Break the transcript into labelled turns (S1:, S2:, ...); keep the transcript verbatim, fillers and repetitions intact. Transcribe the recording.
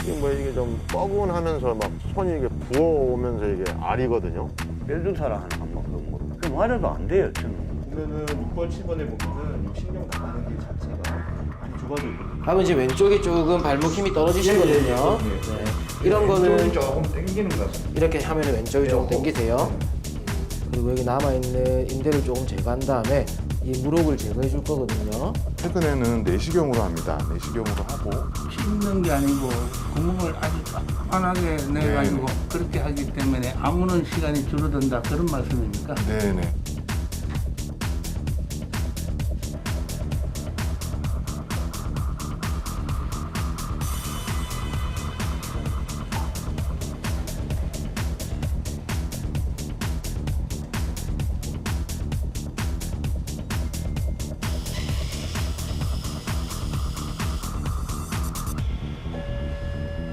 S1: 이게 뭐 이게 좀 뻐근하면서 막 손이 이게 부어오면서 이게 알이거든요.
S2: 멸종사라 하는 한번 그런 거. 그럼 맞아도 안 돼요, 저는.
S3: 보면은 육 번, 칠 번에 보면은 이 신경 나가는 게 자체가 많이 좁아져 있거든요.
S4: 그러면 이제 왼쪽이 조금 발목 힘이 떨어지시거든요. 네. 이런 거는
S3: 조금 당기는 것 같습니다.
S4: 이렇게 하면 왼쪽이 조금 당기세요. 그리고 여기 남아있는 인대를 조금 제거한 다음에 이 무릎을 제거해 줄 거거든요.
S5: 최근에는 내시경으로 합니다. 내시경으로 하고
S6: 씹는 게 아니고 구멍을 아주 환하게 내가지고
S5: 네.
S6: 그렇게 하기 때문에 아무는 시간이 줄어든다 그런 말씀입니까?
S5: 네네